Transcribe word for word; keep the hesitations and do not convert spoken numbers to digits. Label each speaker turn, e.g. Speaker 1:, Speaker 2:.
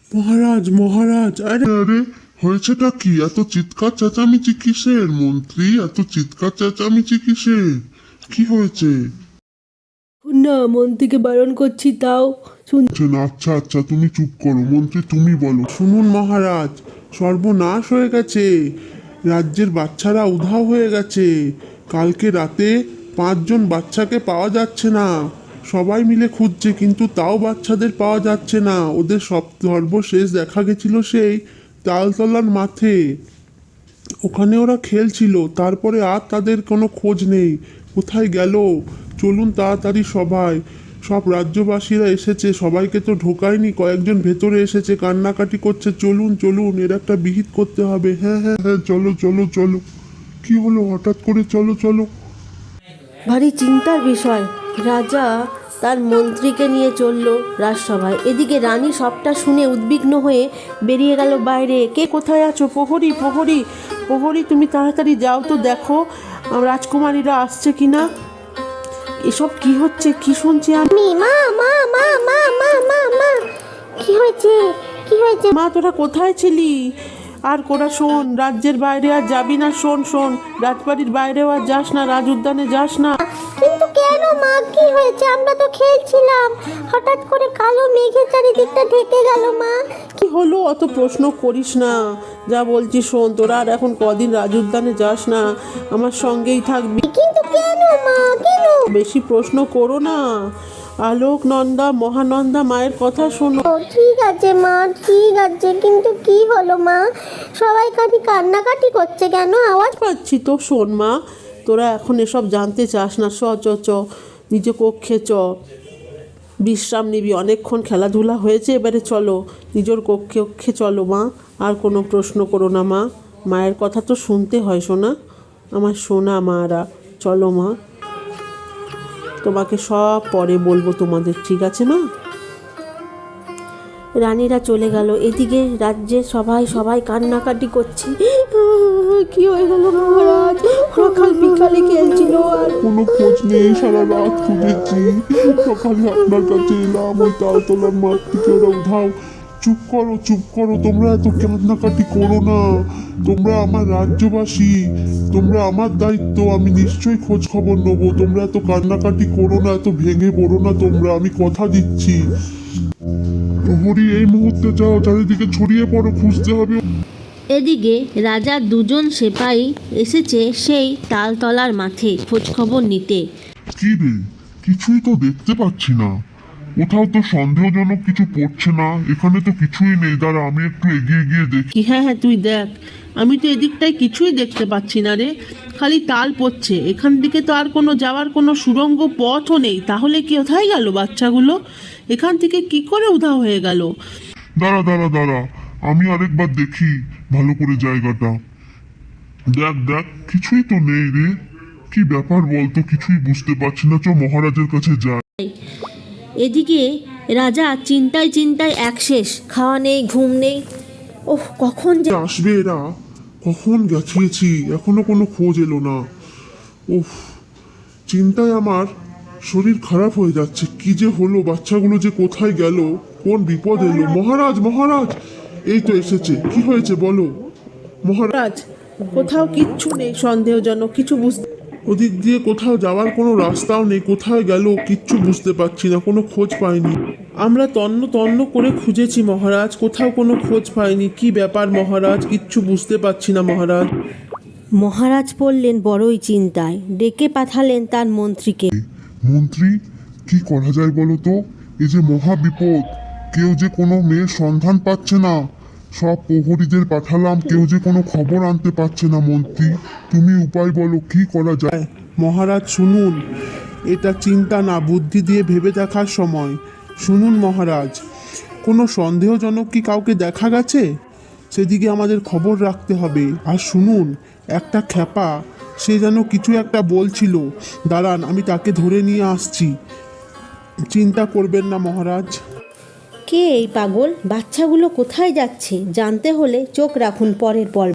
Speaker 1: মহারাজ মহারাজ আরে আরে হয়েছেটা কি? এত চিৎকার চেঁচামেচি কিসের মন্ত্রী? এত চিৎকার চেঁচামেচি কিসের? কি হয়েছে?
Speaker 2: না, মন্ত্রীকে বারণ করছি তাও শুনছেন।
Speaker 1: আচ্ছা আচ্ছা তুমি চুপ করো মন্ত্রী, তুমি বলো। শুনুন মহারাজ, সর্বনাশ হয়ে গেছে, রাজ্যের বাচ্চারা উধাও হয়ে গেছে। কালকে রাতে পাঁচজন বাচ্চাকে পাওয়া যাচ্ছে না, সবাই মিলে খুঁজছে কিন্তু তাও বাচ্চাদের পাওয়া যাচ্ছে না। ওদের সব সর্বশেষ দেখা গেছিল সেই তালতলার মাঠে, ওখানে ওরা খেলছিল, তারপরে আর তাদের কোনো খোঁজ নেই। কোথায় গেল? চলুন তাড়াতাড়ি সবাই, সব রাজ্যবাসীরা এসেছে, সবাইকে তো ঢোকায়নি, কয়েকজন ভেতরে এসেছে, কান্নাকাটি করছে। চলুন চলুন, এর একটা বিহিত করতে হবে। হ্যাঁ হ্যাঁ হ্যাঁ চলো চলো চলো। কি হলো হঠাৎ করে? চলো চলো।
Speaker 2: ভারী চিন্তার বিষয়। রাজা তার মন্ত্রীকে নিয়ে চলল রাজসভায়। এদিকে রানী সবটা শুনে উদ্বিগ্ন হয়ে বেরিয়ে গেল বাইরে। কে কোথায় আছো? প্রহরী প্রহরী প্রহরী, তুমি তাড়াতাড়ি যাও তো, দেখো রাজকুমারীরা আসছে কিনা। এসব কি হচ্ছে? কি শুনছি আমি?
Speaker 3: মা মা মা মা মা মা মা কি হয়েছে? কি হয়েছে?
Speaker 2: মা, তোরা কোথায় ছিলি? আর কোরা শোন, রাজ্যের বাইরে আর যাবি না। শোন শোন, রাজবাড়ির বাইরেও আর যাস না, রাজ উদ্যানে যাস না।
Speaker 3: কিন্তু কেন মা, কি হয়েছে? আমরা তো খেলছিলাম, হঠাৎ করে কালো মেঘের চারিদিকটা ঢেকে গেল মা।
Speaker 2: কি হলো? অত প্রশ্ন করিস না, যা বলছি শোন। তোরা আর এখন কদিন রাজ উদ্যানে যাস না, আমার সঙ্গেই থাকবি।
Speaker 3: কিন্তু কেন মা, কেন?
Speaker 2: বেশি প্রশ্ন করো না। আলোক নন্দা মহানন্দা মায়ের কথা শোনো।
Speaker 3: ও ঠিক আছে মা, ঠিক আছে, কিন্তু কি হলো মা? সবাই খালি কান্নাকাটি করছে কেন? আওয়াজ
Speaker 2: পাচ্ছি তো। শোন মা, তোরা এখন এসব জানতে চাস না। চ চ চ নিজ কক্ষে চ, বিশ্রাম নিবি, অনেকক্ষণ খেলাধুলা হয়েছে, এবারে চলো নিজের কক্ষে কক্ষে চলো মা। আর কোনো প্রশ্ন করো না মা, মায়ের কথা তো শুনতে হয় শোনা, আমার সোনা মারা। চলো মা, তোমাকে সব পরে বলবো তোমাদের, ঠিক আছে মা? রানীরা চলে গেল। এদিকে রাজ্যে সবাই সবাই কান্নাকাটি করছে। কি হয়ে গেল মহারাজ? সকাল বিকালে খেলছিল আর
Speaker 1: কোনো খোঁজ নেই, সারা রাত খুঁজেছি, সকালে আপনার কাছে এলাম, ওই তালতলার মাঠ থেকে ওরা উধাও। চুপ করো চুপ করো, তোমরা এত কান্নাকাটি করো না, তোমরা আমার রাজ্যবাসী, তোমরা আমার দায়িত্ব, আমি নিশ্চয়ই খোঁজ খবর নেবো। তোমরা এত কান্নাকাটি করো না, এত ভেঙে পড়ো না তোমরা, আমি কথা দিচ্ছি। প্রহরী এই মুহূর্তে যাও, চারিদিকে ছড়িয়ে পড়ো, খুঁজতে হবে।
Speaker 4: এদিকে রাজার দুজন সেপাই এসেছে সেই তালতলার মাঠে খোঁজখবর নিতে।
Speaker 1: কি রে, কিছুই তো দেখতে পাচ্ছি না, কোথাও তো সন্দেহজনক কিছু পড়ছে না, এখানে তো কিছুই নেই। দাঁড়া আমি একটু এগিয়ে গিয়ে দেখি।
Speaker 2: কি? হ্যাঁ হ্যাঁ তুই দেখ, আমি তো এদিকটায় কিছুই দেখতে পাচ্ছি না রে, খালি তাল পড়ছে। এখান থেকে তো আর কোনো যাওয়ার কোনো সুড়ঙ্গ পথও নেই। তাহলে কি কোথায় গেল বাচ্চাগুলো? এখান থেকে কি করে উধাও হয়ে গেল?
Speaker 1: দাঁড়া দাঁড়া দাঁড়া, আমি আরেকবার দেখি ভালো করে জায়গাটা। দেখ দেখ, কিছুই তো নেই রে, কি ব্যাপার বলতো? কিছুই বুঝতে পারছি না, চ মহারাজের কাছে যাই।
Speaker 4: এদিকে রাজা চিন্তায় চিন্তায় একশেষ, খাওয়া নেই, ঘুম নেই। ওহ, কখন যে
Speaker 1: আসবে এরা, কখন গেছিয়েছি, এখনো কোনো খোঁজ এলো না। উফ, চিন্তায় আমার শরীর খারাপ হয়ে যাচ্ছে। কি যে হলো, বাচ্চাগুলো যে কোথায় গেল, কোন বিপদ এলো? মহারাজ মহারাজ, এই তো এসেছে, কি হয়েছে বলো মহারাজ।
Speaker 2: রাজ, কোথাও কিচ্ছু নেই, সন্দেহজনক কিছু বুঝতে।
Speaker 1: ওদিক দিয়ে কোথাও যাওয়ার কোনো রাস্তাও নেই, কোথায় গেল কিচ্ছু বুঝতে পারছি না, কোনো খোঁজ পাইনি। আমরা তন্ন তন্ন করে খুঁজেছি মহারাজ, কোথাও কোনো খোঁজ পাইনি। কি ব্যাপার মহারাজ, কিচ্ছু বুঝতে পারছি না মহারাজ।
Speaker 4: মহারাজ পড়লেন বড়ই চিন্তায়, ডেকে পাঠালেন তার মন্ত্রীকে।
Speaker 1: মন্ত্রী, কি করা যায় বলো তো? এই যে মহা বিপদ, কেউ যে কোনো মেয়ের সন্ধান পাচ্ছে না, সব প্রহরীদের পাঠালাম, কেউ যে কোনো খবর আনতে পারছে না। মন্ত্রী, তুমি উপায় বলো, কি করা যায়? মহারাজ শুনুন, এটা চিন্তা না, বুদ্ধি দিয়ে ভেবে দেখার সময়। শুনুন মহারাজ, কোনো সন্দেহজনক কি কাউকে দেখা গেছে? সেদিকে আমাদের খবর রাখতে হবে। আর শুনুন, একটা খ্যাপা, সে যেন কিছু একটা বলছিল, দাঁড়ান আমি তাকে ধরে নিয়ে আসছি। চিন্তা করবেন না মহারাজ।
Speaker 4: কে এই পাগল? বাচ্চাগুলো কোথায় যাচ্ছে? জানতে হলে চোখ রাখুন পরের পর্বে।